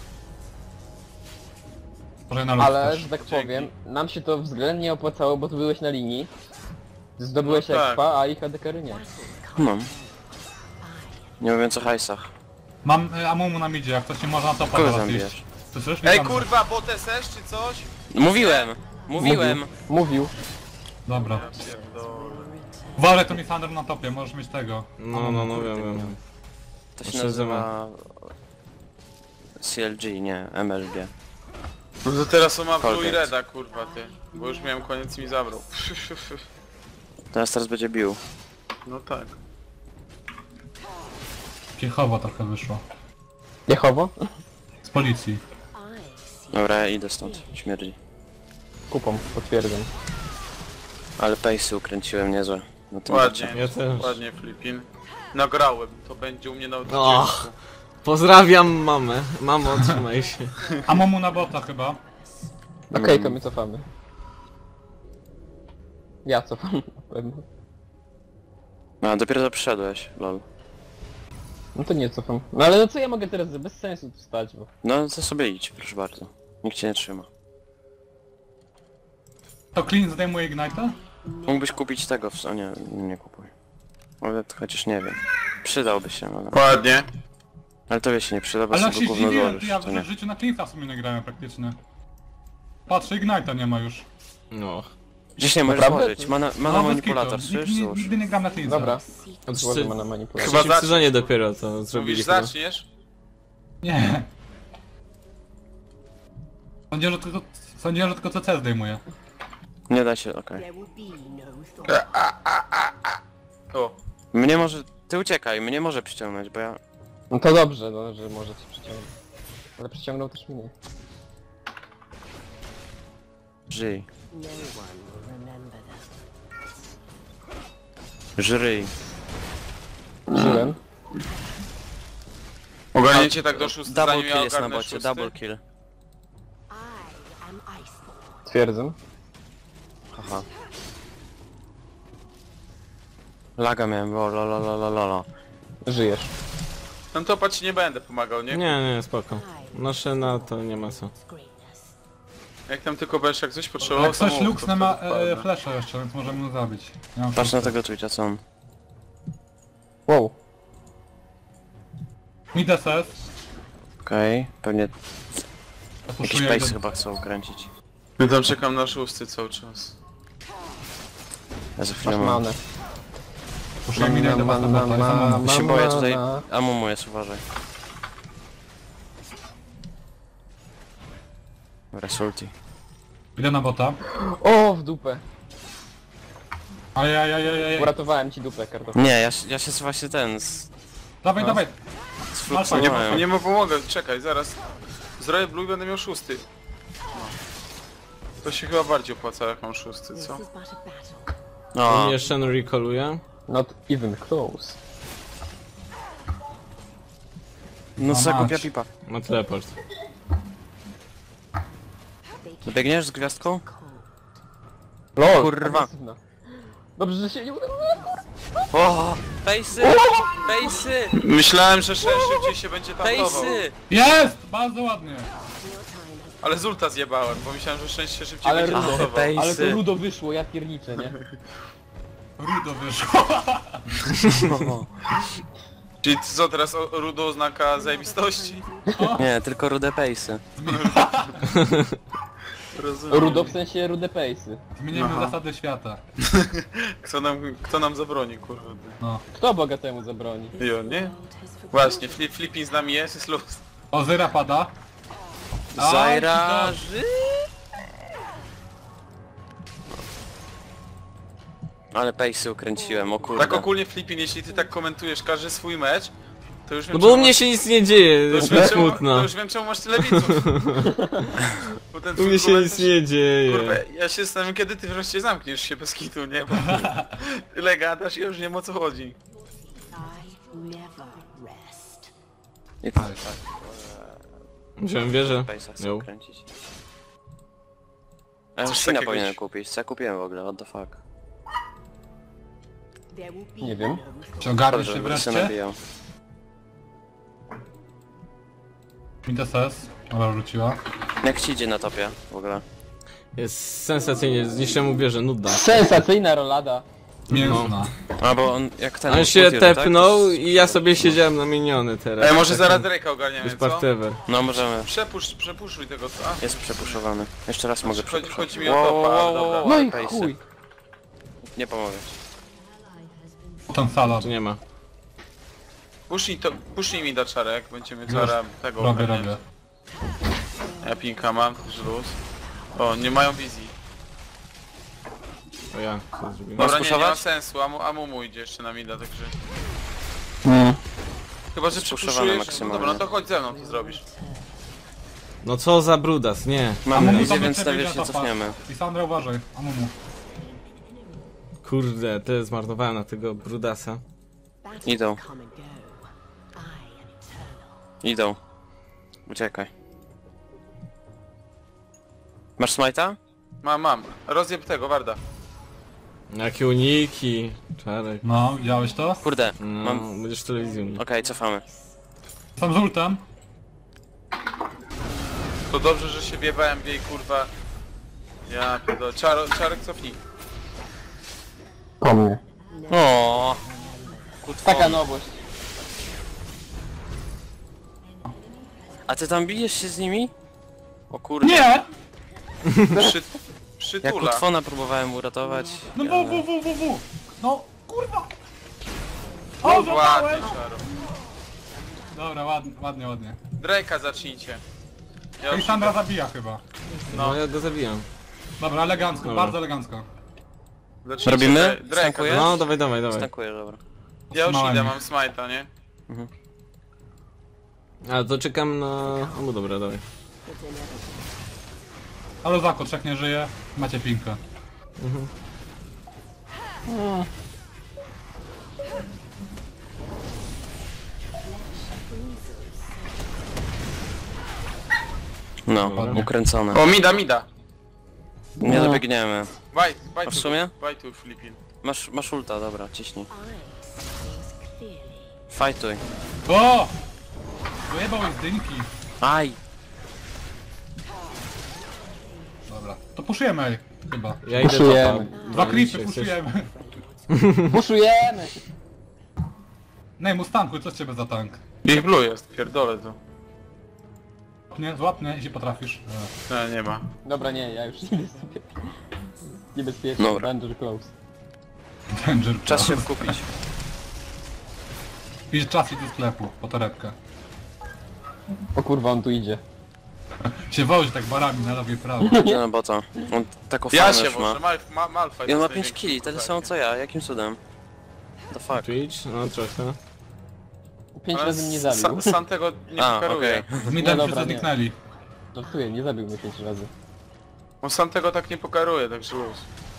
[SPEAKER 5] Może na luz
[SPEAKER 4] Ale,
[SPEAKER 5] też.
[SPEAKER 4] że tak
[SPEAKER 1] Dzięki.
[SPEAKER 4] powiem, nam się to względnie opłacało, bo tu byłeś na linii. Zdobyłeś
[SPEAKER 1] No tak.
[SPEAKER 4] expa, a ich A D K nie.
[SPEAKER 3] No. Nie mówiąc o hajsach.
[SPEAKER 5] Mam y, Amumu na midzie, jak ktoś nie może na topa
[SPEAKER 3] Kogo
[SPEAKER 5] teraz
[SPEAKER 3] zabijasz?
[SPEAKER 5] iść. Słyszysz?
[SPEAKER 1] Ej,
[SPEAKER 5] Witam.
[SPEAKER 1] kurwa, bot S S czy coś?
[SPEAKER 3] Mówiłem! Mówiłem!
[SPEAKER 4] Mówił.
[SPEAKER 5] Dobra.
[SPEAKER 1] Ja pierdolę.
[SPEAKER 5] Uważaj, to mi Thunder na topie, możesz mieć tego.
[SPEAKER 2] No, no, no, wiem, wiem.
[SPEAKER 3] To się
[SPEAKER 2] Muszę
[SPEAKER 3] nazywa... C L G, nie, M L G.
[SPEAKER 1] No to teraz on ma Blue i
[SPEAKER 3] Colgate.
[SPEAKER 1] Reda, kurwa, ty. Bo już miałem koniec i mi zabrał.
[SPEAKER 3] Teraz teraz będzie bił.
[SPEAKER 1] No tak.
[SPEAKER 5] Piechowo trochę wyszło.
[SPEAKER 4] Jechowo?
[SPEAKER 5] Z policji.
[SPEAKER 6] I see
[SPEAKER 3] Dobra, ja idę stąd. Śmierdzi.
[SPEAKER 4] Kupą, potwierdzam.
[SPEAKER 3] Ale pace'y ukręciłem niezłe. Na tym
[SPEAKER 1] Ładnie,
[SPEAKER 3] bocie.
[SPEAKER 2] Ja też.
[SPEAKER 1] ładnie Flipin. Nagrałem, to będzie u mnie na odcinku.
[SPEAKER 2] Och. Pozdrawiam mamę. Mamo, trzymaj się.
[SPEAKER 5] Amumu na bota chyba.
[SPEAKER 4] Okej, to my cofamy. Ja cofam na pewno.
[SPEAKER 3] A, dopiero to przyszedłeś, lol.
[SPEAKER 4] No to nie cofam. No ale no co ja mogę teraz, bez sensu tu stać, bo...
[SPEAKER 3] No to sobie idź, proszę bardzo. Nikt cię nie trzyma.
[SPEAKER 5] To Clean zdejmuje Ignite'a?
[SPEAKER 3] Mógłbyś kupić tego w... O nie, nie kupuj. Ale to chociaż nie wiem. Przydałby się, ale...
[SPEAKER 1] Ładnie.
[SPEAKER 3] Ale tobie się nie przyda, bo
[SPEAKER 5] Ale ja
[SPEAKER 3] sobie
[SPEAKER 5] się
[SPEAKER 3] gówno
[SPEAKER 5] zdziwiłem,
[SPEAKER 3] złożysz,
[SPEAKER 5] ja
[SPEAKER 3] to
[SPEAKER 5] w
[SPEAKER 3] nie.
[SPEAKER 5] życiu na Cleansa w sumie nie grałem praktycznie. Patrzę, Ignite'a nie ma już.
[SPEAKER 2] No.
[SPEAKER 3] Gdzieś nie możesz
[SPEAKER 4] Naprawdę?
[SPEAKER 3] złożyć, mana, mana
[SPEAKER 5] No, bez
[SPEAKER 3] manipulator,
[SPEAKER 5] kitu.
[SPEAKER 3] słyszysz?
[SPEAKER 5] Nigdy,
[SPEAKER 3] Złóż.
[SPEAKER 5] nigdy nie gram na Cleansa.
[SPEAKER 4] Dobra.
[SPEAKER 6] secret.
[SPEAKER 4] Odłożę na manipulację.
[SPEAKER 1] Chyba
[SPEAKER 2] W trzecim
[SPEAKER 1] zacznij.
[SPEAKER 2] sezonie dopiero to zrobili
[SPEAKER 1] Mówisz,
[SPEAKER 2] chyba.
[SPEAKER 1] zaczniesz?
[SPEAKER 5] Nie. Sądziłem, że tylko, sądziłem, że tylko C C zdejmuje.
[SPEAKER 3] Nie da się, okej.
[SPEAKER 6] There will be no thought.
[SPEAKER 1] O.
[SPEAKER 3] Mnie może... Ty uciekaj, mnie może przyciągnąć, bo ja...
[SPEAKER 4] No to dobrze, no, że może cię przyciągnąć. Ale przyciągnął też mnie.
[SPEAKER 3] Żyj.
[SPEAKER 6] No one will remember that.
[SPEAKER 3] Żryj.
[SPEAKER 4] Żyłem.
[SPEAKER 1] Ogarnięcie tak do szóstej,
[SPEAKER 3] Double
[SPEAKER 1] zanim
[SPEAKER 3] kill
[SPEAKER 1] ja
[SPEAKER 3] jest na
[SPEAKER 1] ogarnę
[SPEAKER 3] bocie,
[SPEAKER 1] szósty?
[SPEAKER 3] double kill.
[SPEAKER 6] I am Iceborne.
[SPEAKER 4] Twierdzę.
[SPEAKER 3] Haha. Laga miałem, o lo lo lo lo lo lo.
[SPEAKER 4] Żyjesz.
[SPEAKER 1] No to patrz, nie będę pomagał, nie?
[SPEAKER 2] Nie, nie, spoko. Noszę na to, nie ma co.
[SPEAKER 6] Greatness.
[SPEAKER 1] Jak tam tylko będziesz jak coś potrzebował,
[SPEAKER 5] Jak
[SPEAKER 1] to
[SPEAKER 5] coś
[SPEAKER 1] mów,
[SPEAKER 5] Lux
[SPEAKER 1] to
[SPEAKER 5] nie ma
[SPEAKER 1] wtedy
[SPEAKER 5] e,
[SPEAKER 1] wpadnę.
[SPEAKER 5] flasha jeszcze, więc możemy go zabić. Ja mam
[SPEAKER 3] Patrz na
[SPEAKER 5] szóstkę.
[SPEAKER 3] tego Twitcha, co on.
[SPEAKER 4] Wow.
[SPEAKER 5] Mid S S.
[SPEAKER 3] Okej, pewnie
[SPEAKER 5] Ja
[SPEAKER 3] jakiś
[SPEAKER 5] puszuję
[SPEAKER 3] pace
[SPEAKER 5] go-
[SPEAKER 3] chyba chcą ukręcić.
[SPEAKER 1] Ja tam czekam na szósty cały czas.
[SPEAKER 3] Ja za chwilę
[SPEAKER 4] Masz
[SPEAKER 3] mam...
[SPEAKER 4] manę.
[SPEAKER 5] puszuję mida i do was na bota, jest Amumu.
[SPEAKER 3] Ja się boję tutaj...
[SPEAKER 4] Mama.
[SPEAKER 3] Amumu jest, uważaj. Resulti.
[SPEAKER 5] Idę na bota.
[SPEAKER 4] O, w dupę.
[SPEAKER 5] Ajajajajaj.
[SPEAKER 4] Uratowałem ci dupę, kartofla.
[SPEAKER 3] Nie, ja, się- ja się właśnie ten... z...
[SPEAKER 5] Dawaj,
[SPEAKER 1] No.
[SPEAKER 5] dawaj.
[SPEAKER 3] z
[SPEAKER 1] Nie,
[SPEAKER 3] Fluxem
[SPEAKER 1] nie mu pomogę, czekaj, zaraz. Zrobię blue i będę miał szósty. No. To się chyba bardziej opłaca jak mam szósty,
[SPEAKER 6] This
[SPEAKER 1] co?
[SPEAKER 6] is but a battle.
[SPEAKER 2] U
[SPEAKER 3] No,
[SPEAKER 2] mnie Shen recalluje.
[SPEAKER 4] Not even close.
[SPEAKER 3] no
[SPEAKER 5] O,
[SPEAKER 3] co
[SPEAKER 5] mać.
[SPEAKER 3] głupia pipa.
[SPEAKER 2] Ma teleport.
[SPEAKER 6] They
[SPEAKER 3] Biegniesz z gwiazdką?
[SPEAKER 6] cold.
[SPEAKER 4] LOL,
[SPEAKER 3] Kurwa.
[SPEAKER 4] agresywna. Dobrze, że się nie udało.
[SPEAKER 3] O, Pejsy! Pejsy!
[SPEAKER 1] Myślałem, że Shen szybciej się będzie tankował.
[SPEAKER 3] Pejsy!
[SPEAKER 5] Jest! Bardzo ładnie.
[SPEAKER 6] Your time has
[SPEAKER 1] Ale z ulta zjebałem, bo myślałem, że Shen się szybciej
[SPEAKER 4] Ale
[SPEAKER 1] będzie
[SPEAKER 4] rudo.
[SPEAKER 1] tankował.
[SPEAKER 3] Pejsy.
[SPEAKER 4] Ale to rudo wyszło, ja pierniczę, nie?
[SPEAKER 5] Rudo wyszło.
[SPEAKER 1] Czyli co teraz o- rudo oznaka zajebistości?
[SPEAKER 3] Nie, tylko rude pejsy.
[SPEAKER 1] Rozumiem.
[SPEAKER 4] Rudo w sensie rude pace'y.
[SPEAKER 5] Zmienimy
[SPEAKER 1] Aha.
[SPEAKER 5] zasady świata.
[SPEAKER 1] Kto nam, kto nam zabroni, kurwa?
[SPEAKER 5] No.
[SPEAKER 4] Kto bogatemu zabroni?
[SPEAKER 1] Jo, nie?
[SPEAKER 6] world has forgotten.
[SPEAKER 1] Właśnie, flip, flipping z nami jest, jest luz.
[SPEAKER 5] Ozyra pada.
[SPEAKER 3] Zaira...
[SPEAKER 5] Aj,
[SPEAKER 3] ży- Ale pejsy ukręciłem, o kurde.
[SPEAKER 1] Tak ogólnie flipping, jeśli ty tak komentujesz każdy swój mecz, To już wiem,
[SPEAKER 2] No bo u
[SPEAKER 1] czemu
[SPEAKER 2] mnie
[SPEAKER 1] masz-
[SPEAKER 2] się nic nie dzieje,
[SPEAKER 1] to
[SPEAKER 2] jest
[SPEAKER 1] już
[SPEAKER 2] mi
[SPEAKER 1] wiem, czemu,
[SPEAKER 2] smutno.
[SPEAKER 1] to już wiem czemu masz tyle widzów. Bo ten
[SPEAKER 2] U
[SPEAKER 1] twój
[SPEAKER 2] mnie się nic
[SPEAKER 1] komentarz-
[SPEAKER 2] nie dzieje.
[SPEAKER 1] Kurwa, ja się zastanawiam, kiedy ty wreszcie zamkniesz się bez kitu, nie? Bo tyle gadasz i już nie wiem o co chodzi.
[SPEAKER 6] I never rest.
[SPEAKER 3] I tak, tak.
[SPEAKER 2] Wziąłem wieżę.
[SPEAKER 3] Base'a chcę
[SPEAKER 2] Ją.
[SPEAKER 3] kręcić. A ja
[SPEAKER 1] Coś
[SPEAKER 3] już Sina
[SPEAKER 1] takiego
[SPEAKER 3] powinienem
[SPEAKER 1] ci-
[SPEAKER 3] kupić, co ja kupiłem w ogóle, what the fuck.
[SPEAKER 6] There will be
[SPEAKER 4] Nie wiem.
[SPEAKER 6] no
[SPEAKER 5] Czy ogarniesz
[SPEAKER 3] Dobrze,
[SPEAKER 5] się
[SPEAKER 3] będę się
[SPEAKER 5] wreszcie?
[SPEAKER 3] nabijał.
[SPEAKER 5] Mid S S. Dobra, wróciła.
[SPEAKER 3] Jak ci idzie na topie w ogóle?
[SPEAKER 2] Jest sensacyjnie, zniszczyłem mu wieżę, nudna.
[SPEAKER 4] Sensacyjna rolada.
[SPEAKER 5] Mięsna.
[SPEAKER 3] A bo on jak ten...
[SPEAKER 2] On się
[SPEAKER 3] ulti robi, tak?
[SPEAKER 2] tepnął i ja sobie siedziałem na miniony teraz.
[SPEAKER 1] Ej, może
[SPEAKER 2] Tak,
[SPEAKER 1] zaraz Drake'a ogarniemy,
[SPEAKER 2] Jest
[SPEAKER 1] co?
[SPEAKER 2] partewer.
[SPEAKER 3] No możemy.
[SPEAKER 1] Przepusz, przepuszczuj tego, co? A,
[SPEAKER 3] Jest przepuszowany. Jeszcze raz mogę
[SPEAKER 1] chodzi,
[SPEAKER 3] przepuszować.
[SPEAKER 1] chodzi mi o topa, ale dobra.
[SPEAKER 4] No i
[SPEAKER 3] pace'y.
[SPEAKER 4] chuj.
[SPEAKER 3] Nie pomogę.
[SPEAKER 5] Ten salad.
[SPEAKER 2] Tu nie ma.
[SPEAKER 1] Pusznij to, pusznij mi da czarek, będziemy
[SPEAKER 5] Już.
[SPEAKER 1] zaraz tego
[SPEAKER 5] Robię,
[SPEAKER 1] ogarniać.
[SPEAKER 5] robię.
[SPEAKER 1] Ja pinka mam, też luz. O, nie mają wizji.
[SPEAKER 2] To ja co zrobiłem.
[SPEAKER 1] Dobra, nie, nie ma
[SPEAKER 3] spuszować?
[SPEAKER 1] sensu, Amu, Amumu idzie jeszcze na mida, także...
[SPEAKER 4] Mm.
[SPEAKER 1] Chyba, że
[SPEAKER 3] Spuszczowany
[SPEAKER 1] przepuszujesz, no
[SPEAKER 3] maksymalnie.
[SPEAKER 1] dobra, no to chodź ze mną, to zrobisz.
[SPEAKER 2] No co za brudas, nie.
[SPEAKER 3] Mamy
[SPEAKER 5] Amumu
[SPEAKER 3] wizję,
[SPEAKER 5] tam
[SPEAKER 3] więc
[SPEAKER 5] jeszcze
[SPEAKER 3] na
[SPEAKER 5] wyjdzie
[SPEAKER 3] wierzch się
[SPEAKER 5] topa.
[SPEAKER 3] cofniemy.
[SPEAKER 5] Lisandra, uważaj. Amumu.
[SPEAKER 2] Kurde, tyle zmarnowałem na tego brudasa.
[SPEAKER 6] battles
[SPEAKER 3] Idą.
[SPEAKER 6] come and go. I am eternal.
[SPEAKER 3] Idą. Uciekaj. Masz smite'a?
[SPEAKER 1] Mam, mam. Rozjeb tego, Warda.
[SPEAKER 2] Jakie uniki. Czarek.
[SPEAKER 5] No, widziałeś to?
[SPEAKER 3] Kurde,
[SPEAKER 2] No,
[SPEAKER 3] mam...
[SPEAKER 2] będziesz telewizją.
[SPEAKER 3] Okej, cofamy.
[SPEAKER 5] Sam z ultem.
[SPEAKER 1] To dobrze, że się wiewałem w jej, kurwa. Ja pierdolę. Czaro, czarek cofnij.
[SPEAKER 4] Po mnie.
[SPEAKER 3] O.
[SPEAKER 4] Taka nowość.
[SPEAKER 3] A ty tam bijesz się z nimi? O kurde.
[SPEAKER 5] Nie!
[SPEAKER 1] Przy,
[SPEAKER 3] Jak
[SPEAKER 1] przytula.
[SPEAKER 3] Kutwona próbowałem uratować.
[SPEAKER 5] No
[SPEAKER 3] ale-
[SPEAKER 5] w, w, w, w, w. No, kurwa! O,
[SPEAKER 1] Ładnie,
[SPEAKER 5] złapałem!
[SPEAKER 1] czaro.
[SPEAKER 5] Dobra, ładnie, ładnie, ładnie.
[SPEAKER 1] Drake'a zacznijcie. Ja już
[SPEAKER 5] Lisandra zabija chyba.
[SPEAKER 2] No ja go zabijam.
[SPEAKER 5] Dobra, elegancko,
[SPEAKER 2] Dobra.
[SPEAKER 5] bardzo elegancko.
[SPEAKER 1] zacznijcie
[SPEAKER 3] Robimy?
[SPEAKER 1] Dra- Drake'a.
[SPEAKER 3] Stankujesz?
[SPEAKER 2] No dawaj, dawaj, dawaj.
[SPEAKER 3] Stankuję, dobra.
[SPEAKER 1] Ja już
[SPEAKER 5] Otrzymałem
[SPEAKER 1] idę,
[SPEAKER 5] ich.
[SPEAKER 1] mam smite'a, nie?
[SPEAKER 2] A to czekam na... O, no dobra, dawaj.
[SPEAKER 6] It's inevitable.
[SPEAKER 5] Ale Zako, trzech nie żyje. Macie pinkę.
[SPEAKER 3] No,
[SPEAKER 5] Ładnie.
[SPEAKER 3] ukręcone.
[SPEAKER 1] O, mida, mida.
[SPEAKER 3] Nie dobiegniemy.
[SPEAKER 1] Baj, baj
[SPEAKER 3] A w
[SPEAKER 1] tu,
[SPEAKER 3] sumie?
[SPEAKER 1] baj tu, Filipin.
[SPEAKER 3] Masz, masz ulta, dobra, ciśnij.
[SPEAKER 6] I see things clearly.
[SPEAKER 3] Fajtuj.
[SPEAKER 5] O! Dojebał z dynki.
[SPEAKER 3] Aj!
[SPEAKER 5] Dobra, to puszujemy, ej, chyba.
[SPEAKER 2] Ja idę
[SPEAKER 4] Puszujemy.
[SPEAKER 2] topa.
[SPEAKER 5] Dwa
[SPEAKER 2] No,
[SPEAKER 5] creepy
[SPEAKER 2] jeśli chcesz.
[SPEAKER 5] puszujemy.
[SPEAKER 4] Puszujemy!
[SPEAKER 5] Nej, Mustanku, co z ciebie za tank?
[SPEAKER 1] Ich blue jest, pierdolę to.
[SPEAKER 5] Nie, złap mnie, jeśli potrafisz. E.
[SPEAKER 1] Nie, nie ma.
[SPEAKER 4] Dobra, nie, ja już idę sobie. Niebezpiecznie,
[SPEAKER 3] Dobra.
[SPEAKER 4] danger close.
[SPEAKER 5] Danger.
[SPEAKER 3] Czas się wkupić.
[SPEAKER 5] Idź czas i do sklepu, po torebkę.
[SPEAKER 4] O kurwa, on tu idzie.
[SPEAKER 5] Się wozi tak barami na lewo i prawo.
[SPEAKER 3] Idę na bota. On taką
[SPEAKER 1] Ja
[SPEAKER 3] farmę
[SPEAKER 1] się
[SPEAKER 3] już ma.
[SPEAKER 1] może, Mal, ma, Malfight
[SPEAKER 3] I on ma
[SPEAKER 1] jest
[SPEAKER 3] pięć
[SPEAKER 1] największy
[SPEAKER 3] killi, tyle
[SPEAKER 1] kurwa.
[SPEAKER 3] samo co ja, jakim cudem? The fuck.
[SPEAKER 2] Twitch? No trochę.
[SPEAKER 4] Pięć
[SPEAKER 1] Ale
[SPEAKER 4] razy mnie
[SPEAKER 1] Sa-
[SPEAKER 4] zabił.
[SPEAKER 1] Sam tego nie
[SPEAKER 3] A,
[SPEAKER 1] pokaruje.
[SPEAKER 3] okej.
[SPEAKER 5] Z midem
[SPEAKER 4] Nie,
[SPEAKER 5] wszyscy
[SPEAKER 4] dobra, nie.
[SPEAKER 5] zniknęli.
[SPEAKER 4] Żartuję, nie zabił mnie pięć razy.
[SPEAKER 1] On sam tego tak nie pokaruje, także luz.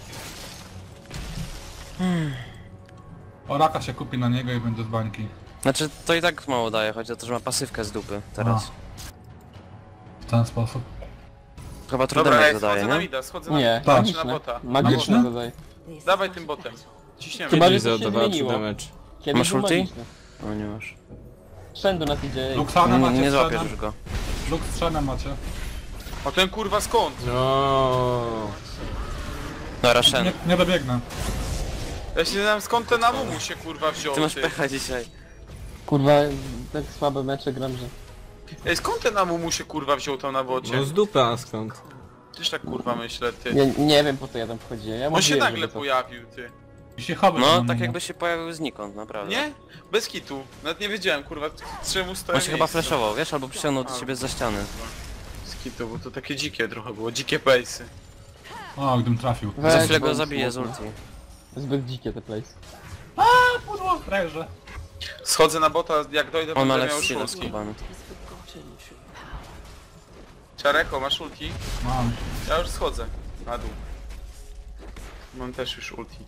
[SPEAKER 5] Oraka się kupi na niego i będzie z bańki.
[SPEAKER 3] Znaczy, to i tak mało daje, chodzi o to, że ma pasywkę z dupy teraz.
[SPEAKER 5] W ten sposób.
[SPEAKER 3] Chyba
[SPEAKER 1] Dobra,
[SPEAKER 3] trudemek
[SPEAKER 1] ej,
[SPEAKER 3] zadaje,
[SPEAKER 1] schodzę na
[SPEAKER 3] nie?
[SPEAKER 1] mida, schodzę na
[SPEAKER 4] Nie,
[SPEAKER 1] mida, na
[SPEAKER 4] magiczne.
[SPEAKER 1] bota.
[SPEAKER 4] Magiczne
[SPEAKER 5] Magiczne?
[SPEAKER 4] zadaj.
[SPEAKER 6] This
[SPEAKER 1] Dawaj
[SPEAKER 6] is
[SPEAKER 1] tym botem. Ciśniemy.
[SPEAKER 4] Chyba, że
[SPEAKER 2] Kiedyś
[SPEAKER 4] coś się
[SPEAKER 2] zadawała trzy
[SPEAKER 4] zmieniło.
[SPEAKER 2] damage.
[SPEAKER 4] Kiedyś
[SPEAKER 3] Masz
[SPEAKER 4] był
[SPEAKER 3] ulti?
[SPEAKER 4] magiczny.
[SPEAKER 3] O, nie masz.
[SPEAKER 4] Shen do nas idzie. ej.
[SPEAKER 5] Luxana
[SPEAKER 3] Nie,
[SPEAKER 5] macie
[SPEAKER 3] nie
[SPEAKER 5] z
[SPEAKER 3] złapiesz
[SPEAKER 5] Shenem.
[SPEAKER 3] już go.
[SPEAKER 5] Lux z Shenem macie.
[SPEAKER 1] O ten kurwa skąd?
[SPEAKER 2] No.
[SPEAKER 3] Dobra, Shen.
[SPEAKER 5] Nie, nie dobiegnę.
[SPEAKER 1] Ja się nie znam skąd ten Amumu się kurwa wziął.
[SPEAKER 3] Ty masz
[SPEAKER 1] ty.
[SPEAKER 3] pecha dzisiaj.
[SPEAKER 4] Kurwa, tak słabe mecze gram, że...
[SPEAKER 1] Ej, skąd ten Amumu się kurwa wziął tam na bocie?
[SPEAKER 2] No z dupy, a skąd?
[SPEAKER 1] Też tak kurwa myślę, ty.
[SPEAKER 4] Ja nie wiem po co ja tam wchodziłem. Ja
[SPEAKER 1] On się
[SPEAKER 4] mówiłem,
[SPEAKER 1] nagle
[SPEAKER 4] żeby to-
[SPEAKER 1] pojawił, ty.
[SPEAKER 5] I się chowy
[SPEAKER 3] No,
[SPEAKER 5] na
[SPEAKER 3] tak
[SPEAKER 5] niego.
[SPEAKER 3] jakby się pojawił znikąd, naprawdę.
[SPEAKER 1] Nie? Bez kitu. Nawet nie wiedziałem kurwa czemu stoję
[SPEAKER 3] On się chyba flashował, wiesz, albo przyciągnął do siebie za ściany.
[SPEAKER 1] Bez kitu, bo to takie dzikie trochę było, dzikie pejsy.
[SPEAKER 5] O, gdybym trafił.
[SPEAKER 4] Weź,
[SPEAKER 3] Za chwilę
[SPEAKER 4] bo
[SPEAKER 3] go zabiję z
[SPEAKER 4] smutno.
[SPEAKER 3] ulti.
[SPEAKER 4] Zbyt dzikie te place.
[SPEAKER 5] Pudło, frajerze.
[SPEAKER 1] Schodzę na bota, jak dojdę
[SPEAKER 3] On ma
[SPEAKER 1] będę miał
[SPEAKER 3] left steal
[SPEAKER 1] szulki.
[SPEAKER 3] skubany.
[SPEAKER 6] Has forgotten true power.
[SPEAKER 1] Czareko, masz ulti?
[SPEAKER 5] Mam.
[SPEAKER 1] Ja już schodzę. Na dół. Mam też już ulti.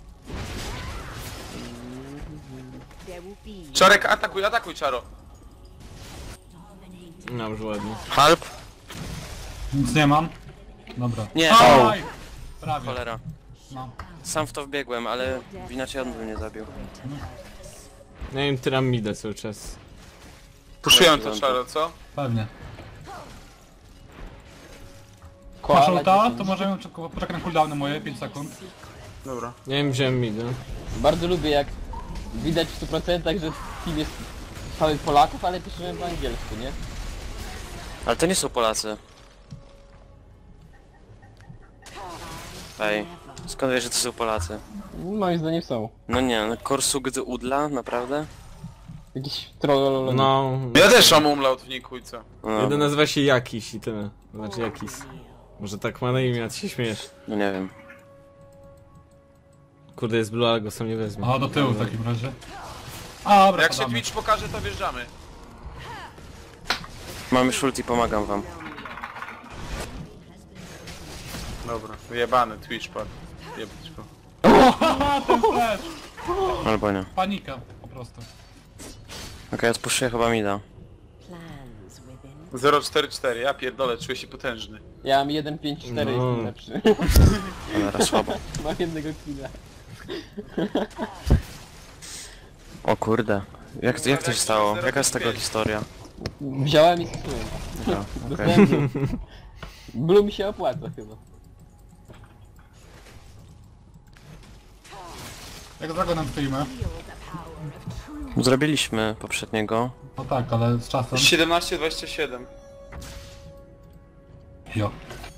[SPEAKER 6] There will be
[SPEAKER 1] Czarek, atakuj, atakuj, Czaro.
[SPEAKER 2] No już ładnie.
[SPEAKER 3] Halp?
[SPEAKER 5] Nic nie mam. Dobra.
[SPEAKER 3] Nie,
[SPEAKER 5] Aj! Prawie.
[SPEAKER 3] cholera.
[SPEAKER 5] No.
[SPEAKER 3] Sam w to wbiegłem, ale inaczej on by mnie zabił.
[SPEAKER 2] Ja im tyram midę cały czas.
[SPEAKER 1] Puszuję to, Czaro, co?
[SPEAKER 5] Pewnie.
[SPEAKER 4] Koala
[SPEAKER 5] Masz ulta?
[SPEAKER 4] dziesięć.
[SPEAKER 5] To możemy czek- poczekać na cooldowny moje, pięć sekund.
[SPEAKER 1] Dobra.
[SPEAKER 2] Ja im wziąłem midę.
[SPEAKER 4] Bardzo lubię jak widać w stu procentach, że team jest cały Polaków, ale piszemy po angielsku, nie?
[SPEAKER 3] Ale to nie są Polacy. Ej, skąd wiesz, że to są Polacy?
[SPEAKER 4] Moim zdaniem są.
[SPEAKER 3] No nie, no Korsugd Udla, naprawdę?
[SPEAKER 4] Jakiś troll...
[SPEAKER 2] No.
[SPEAKER 1] Ja też mam umlaut w niku i co?
[SPEAKER 3] No,
[SPEAKER 2] Jeden nazywa się Jakiś i tyle. Znaczy Jakis. Może tak ma na imię, a ty się śmiesz.
[SPEAKER 3] no nie wiem.
[SPEAKER 2] Kurde, jest blue, ale go sam nie wezmę.
[SPEAKER 5] A do tyłu w takim razie. A, dobra,
[SPEAKER 1] Jak się
[SPEAKER 5] podamy.
[SPEAKER 1] Twitch pokaże, to wjeżdżamy.
[SPEAKER 3] Mam już ulti, pomagam wam.
[SPEAKER 1] Dobra, wyjebany Twitch padł. Jebać go.
[SPEAKER 5] Haha, ten flash!
[SPEAKER 3] Albo nie.
[SPEAKER 5] Panika, po prostu.
[SPEAKER 3] Okej, odpuszczę chyba mida.
[SPEAKER 6] plans within.
[SPEAKER 1] zero cztery cztery, ja pierdolę, czuję się potężny.
[SPEAKER 4] Ja mam jeden pięć cztery,
[SPEAKER 2] No.
[SPEAKER 4] jestem lepszy.
[SPEAKER 3] Cholera, słabo.
[SPEAKER 4] Mam jednego killa.
[SPEAKER 3] O kurde. Jak, jak to się stało? Jaka jest tego historia?
[SPEAKER 4] Wziąłem i zepsułem.
[SPEAKER 3] No, okej.
[SPEAKER 4] Dostałem blue. Blue mi się opłaca chyba.
[SPEAKER 5] Jak z Dragonem stoimy?
[SPEAKER 3] Zrobiliśmy poprzedniego.
[SPEAKER 5] No tak, ale z czasem.
[SPEAKER 1] siedemnaście dwadzieścia siedem.
[SPEAKER 5] Jo.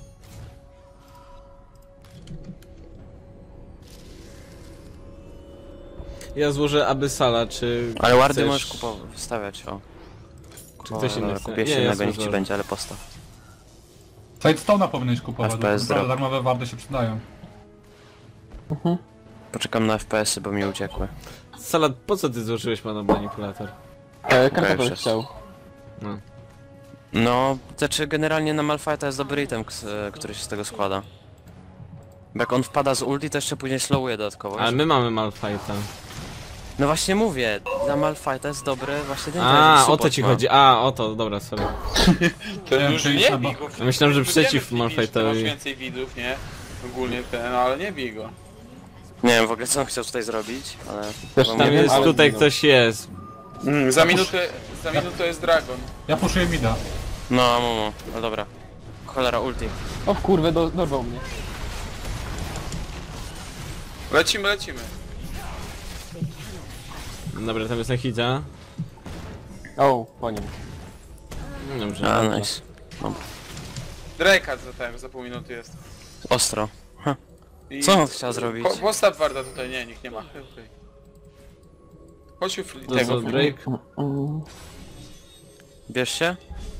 [SPEAKER 2] Ja złożę Abyssala, czy...
[SPEAKER 3] Ale wardy
[SPEAKER 2] chcesz-
[SPEAKER 3] możesz kupować, wstawiać, o.
[SPEAKER 2] Czy ktoś inny
[SPEAKER 3] Dobra,
[SPEAKER 2] chce?
[SPEAKER 3] kupię
[SPEAKER 2] Nie,
[SPEAKER 3] się
[SPEAKER 2] ja
[SPEAKER 3] innego,
[SPEAKER 2] sobie
[SPEAKER 3] niech ci
[SPEAKER 2] złożę.
[SPEAKER 3] będzie, ale postaw.
[SPEAKER 5] Sidestone'a powinieneś kupować,
[SPEAKER 3] F
[SPEAKER 5] bo
[SPEAKER 3] P S
[SPEAKER 5] naprawdę
[SPEAKER 3] drop.
[SPEAKER 5] darmowe wardy się przydają.
[SPEAKER 3] Poczekam na F P S-y, bo mi uciekły.
[SPEAKER 2] Salat, po co ty złożyłeś pana manipulator?
[SPEAKER 4] E, Kartofel
[SPEAKER 3] już
[SPEAKER 4] chciał.
[SPEAKER 2] No.
[SPEAKER 3] No, znaczy generalnie na Malphite'a jest dobry item, k- który się z tego składa. Bo jak on wpada z ulti, to jeszcze później slowuje dodatkowo.
[SPEAKER 2] Ale my mamy Malphite'a.
[SPEAKER 3] No właśnie mówię, dla Malphite'a jest dobry właśnie ten
[SPEAKER 2] A,
[SPEAKER 3] że
[SPEAKER 2] o to
[SPEAKER 3] support
[SPEAKER 2] ci
[SPEAKER 3] ma.
[SPEAKER 2] chodzi. A, o to, dobra, sorry.
[SPEAKER 1] To
[SPEAKER 5] Nie,
[SPEAKER 1] już
[SPEAKER 5] czyli
[SPEAKER 1] nie
[SPEAKER 5] trzeba-
[SPEAKER 1] bij go.
[SPEAKER 2] Ja myślałem, że
[SPEAKER 1] Wiemy,
[SPEAKER 2] przeciw
[SPEAKER 1] Filip, że ty Masz
[SPEAKER 2] Malphite'owi.
[SPEAKER 1] więcej widzów, nie? Ogólnie ten, no ale nie bij go.
[SPEAKER 3] Nie wiem w ogóle co on chciał tutaj zrobić, ale...
[SPEAKER 4] Też
[SPEAKER 3] chyba
[SPEAKER 4] tam
[SPEAKER 2] Tam
[SPEAKER 3] mnie-
[SPEAKER 2] jest,
[SPEAKER 4] ale-
[SPEAKER 2] tutaj ktoś jest.
[SPEAKER 1] Mm, za minutę, za minutę jest Dragon.
[SPEAKER 5] Ja puszuję mida.
[SPEAKER 3] No, no, no, no dobra. Cholera, ulti.
[SPEAKER 4] O w kurwę, do, dorwał mnie.
[SPEAKER 1] Lecimy, lecimy.
[SPEAKER 2] Dobra, tam jest Nachidzia.
[SPEAKER 4] O, po nim.
[SPEAKER 2] No dobrze.
[SPEAKER 3] A,
[SPEAKER 2] dobrze.
[SPEAKER 3] nice.
[SPEAKER 1] Drake'a za ten, za pół minuty jest.
[SPEAKER 3] Ostro.
[SPEAKER 1] I
[SPEAKER 3] Co on chciał zrobić?
[SPEAKER 1] Po, postaw Warda tutaj, nie, nikt nie ma. Okay. Chodź u Fli-
[SPEAKER 2] To
[SPEAKER 1] tego.
[SPEAKER 2] co, Drake?
[SPEAKER 3] Bierz się?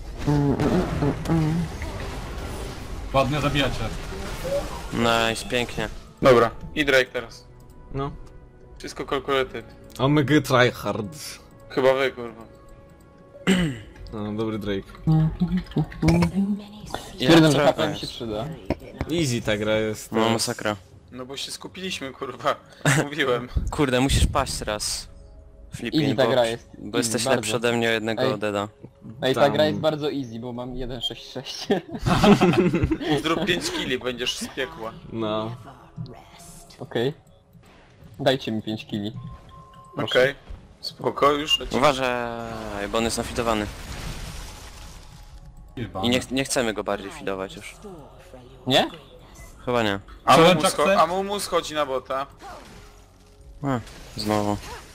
[SPEAKER 5] Ładnie zabijacie.
[SPEAKER 3] Nice, pięknie.
[SPEAKER 1] Dobra, i Drake teraz.
[SPEAKER 2] No.
[SPEAKER 1] Wszystko calculated.
[SPEAKER 2] Omega tryhard.
[SPEAKER 1] Chyba wy, kurwa.
[SPEAKER 2] No, dobry Drake.
[SPEAKER 4] Stwierdzam, że
[SPEAKER 3] trochę
[SPEAKER 4] H P mi
[SPEAKER 3] jest.
[SPEAKER 4] się przyda.
[SPEAKER 2] Easy ta gra jest.
[SPEAKER 3] No masakra.
[SPEAKER 1] No bo się skupiliśmy, kurwa. Mówiłem.
[SPEAKER 3] Kurde, musisz paść raz. Flipping,
[SPEAKER 4] Easy ta
[SPEAKER 3] bo,
[SPEAKER 4] gra jest.
[SPEAKER 3] bo
[SPEAKER 4] Easy,
[SPEAKER 3] jesteś
[SPEAKER 4] bardzo.
[SPEAKER 3] lepszy ode mnie o jednego
[SPEAKER 4] Ej.
[SPEAKER 3] deda.
[SPEAKER 4] Ej, ta
[SPEAKER 2] Tam.
[SPEAKER 4] gra jest bardzo easy, bo mam jeden sześć sześć.
[SPEAKER 1] Zrób pięć killi, będziesz z piekła.
[SPEAKER 2] No.
[SPEAKER 4] Okej. Dajcie mi pięć killi.
[SPEAKER 1] Okej. Spoko, już lecimy.
[SPEAKER 3] Uważaj, bo on jest nafidowany.
[SPEAKER 5] Chyba.
[SPEAKER 3] I nie, nie chcemy go bardziej fidować już.
[SPEAKER 4] Nie?
[SPEAKER 3] Chyba nie.
[SPEAKER 1] Amumu,
[SPEAKER 5] Challenge
[SPEAKER 1] scho
[SPEAKER 5] accept?
[SPEAKER 1] Amumu schodzi na bota.
[SPEAKER 3] A, znowu.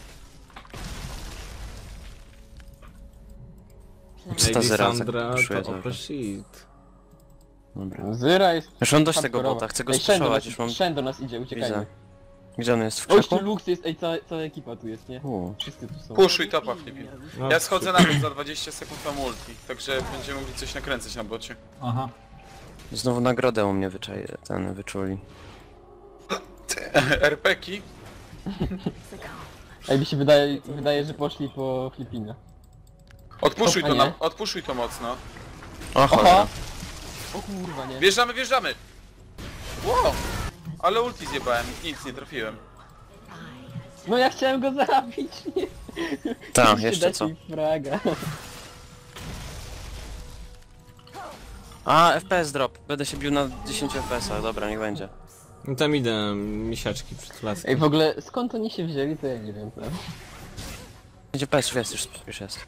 [SPEAKER 3] Co ta
[SPEAKER 2] Lady
[SPEAKER 3] zera
[SPEAKER 2] Sandra
[SPEAKER 3] puszuje
[SPEAKER 2] to
[SPEAKER 3] cały
[SPEAKER 2] open
[SPEAKER 3] czas?
[SPEAKER 2] shit.
[SPEAKER 3] Dobra.
[SPEAKER 4] Zyra jest...
[SPEAKER 3] Już mam dość tego
[SPEAKER 4] hardkorowa.
[SPEAKER 3] bota, chcę go
[SPEAKER 4] Ej, Shen do
[SPEAKER 3] spuszować,
[SPEAKER 4] nas,
[SPEAKER 3] już mam...
[SPEAKER 4] Shen do nas idzie, uciekajmy.
[SPEAKER 3] Widzę. Gdzie on jest? W
[SPEAKER 4] O, jeszcze
[SPEAKER 3] krzaku?
[SPEAKER 4] Lux jest, ej, cała, cała ekipa tu jest, nie?
[SPEAKER 3] U.
[SPEAKER 4] Wszyscy tu są.
[SPEAKER 1] Puszuj topa, Flippin.
[SPEAKER 2] No,
[SPEAKER 1] Ja schodzę na dół za dwadzieścia sekund na multi, także będziemy mogli coś nakręcać na bocie.
[SPEAKER 5] Aha.
[SPEAKER 3] Znowu nagrodę u mnie wyczaj... ten wyczuli.
[SPEAKER 1] R P ki?
[SPEAKER 4] Ej, mi się wydaje, wydaje, że poszli po Filipinę.
[SPEAKER 1] Odpuszuj
[SPEAKER 4] A
[SPEAKER 1] to,
[SPEAKER 4] nie?
[SPEAKER 1] na, odpuszuj to mocno.
[SPEAKER 3] O cholera.
[SPEAKER 4] O kurwa, nie.
[SPEAKER 1] Wjeżdżamy, wjeżdżamy! Wow! Ale ulti zjebałem, nic nie trafiłem.
[SPEAKER 4] No ja chciałem go zabić, nie.
[SPEAKER 3] Tak,
[SPEAKER 4] Musicie
[SPEAKER 3] jeszcze
[SPEAKER 4] dać
[SPEAKER 3] co?
[SPEAKER 4] mi fraga.
[SPEAKER 3] A, F P S drop. Będę się bił na dziesięć F P S-ach, dobra, niech będzie.
[SPEAKER 2] No tam idę, misiaczki przed laskiem.
[SPEAKER 4] Ej, w ogóle skąd oni się wzięli, to ja nie wiem. Tam.
[SPEAKER 3] dziesięć F P S już jest, już, już jest.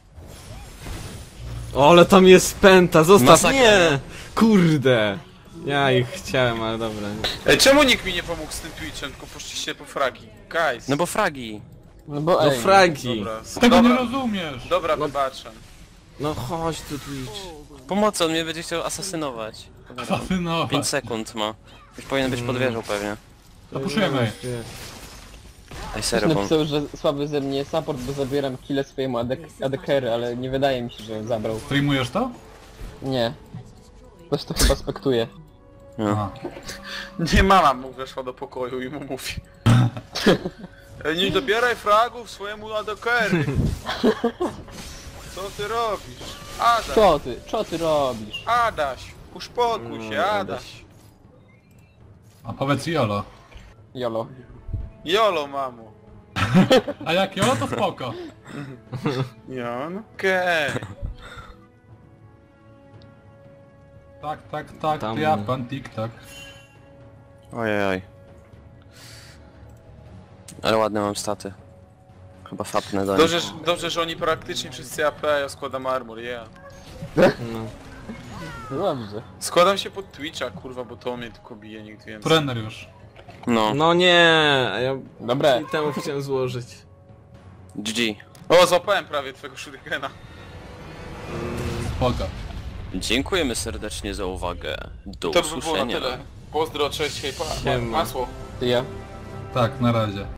[SPEAKER 2] O, ale tam jest pęta, zostaw,
[SPEAKER 3] Masakra.
[SPEAKER 2] nie! Kurde! Ja ich chciałem, ale dobra.
[SPEAKER 1] Ej, czemu nikt mi nie pomógł z tym Twitchem, tylko poszliście po fragi? Guys!
[SPEAKER 3] No bo fragi.
[SPEAKER 4] No bo
[SPEAKER 2] No
[SPEAKER 4] ej,
[SPEAKER 2] fragi!
[SPEAKER 1] Dobra,
[SPEAKER 5] Tego nie
[SPEAKER 1] dobra,
[SPEAKER 5] rozumiesz!
[SPEAKER 1] dobra, wybaczam.
[SPEAKER 2] No chodź tu Twitch.
[SPEAKER 3] Pomocy, on mnie będzie chciał asasynować.
[SPEAKER 5] Asasynować.
[SPEAKER 3] pięć sekund ma. Już powinien być pod wieżą pewnie.
[SPEAKER 5] Zapuszujemy.
[SPEAKER 3] Ej,
[SPEAKER 4] Ktoś
[SPEAKER 3] serio, bo...
[SPEAKER 4] napisał, że słaby ze mnie support, bo zabieram kile swojemu AD carry, ale nie wydaje mi się, że zabrał.
[SPEAKER 5] Streamujesz to?
[SPEAKER 4] Nie. Ktoś to chyba spektuje.
[SPEAKER 5] Aha.
[SPEAKER 1] Nie mama mu weszła do pokoju i mu mówi. Ej, nie dobieraj fragów swojemu adekery. Co ty robisz? Adaś,
[SPEAKER 4] Co ty? Co ty robisz?
[SPEAKER 1] Adaś, uspokój się,
[SPEAKER 2] No,
[SPEAKER 1] Adaś.
[SPEAKER 5] A powiedz Jolo.
[SPEAKER 4] Jolo.
[SPEAKER 1] Jolo, mamo.
[SPEAKER 5] A jak Jolo to spoko.
[SPEAKER 1] Ja, no okej.
[SPEAKER 5] Tak, tak, tak,
[SPEAKER 2] Tam-
[SPEAKER 5] ja pan tik-tak.
[SPEAKER 3] Ojej. Ale ładne mam staty. Chyba fapnę do nich.
[SPEAKER 1] Dobrze, że- dobrze, że oni praktycznie wszyscy A P, a ja składam armor, yeah.
[SPEAKER 2] No.
[SPEAKER 4] No dobrze.
[SPEAKER 1] Składam się pod Twitcha, kurwa, bo to mnie tylko bije, nikt więcej.
[SPEAKER 5] Trener już.
[SPEAKER 3] No,
[SPEAKER 2] No nie, a ja
[SPEAKER 4] Dobre.
[SPEAKER 2] i temu chciałem złożyć.
[SPEAKER 3] G G.
[SPEAKER 1] O, złapałem prawie twojego shurikena.
[SPEAKER 5] Spoko.
[SPEAKER 3] Dziękujemy serdecznie za uwagę. Do
[SPEAKER 1] To by było na
[SPEAKER 3] usłyszenia.
[SPEAKER 1] tyle. Pozdro, cześć, hej, pa,
[SPEAKER 2] Siema.
[SPEAKER 1] masło.
[SPEAKER 4] Ty ja.
[SPEAKER 5] Tak, na razie.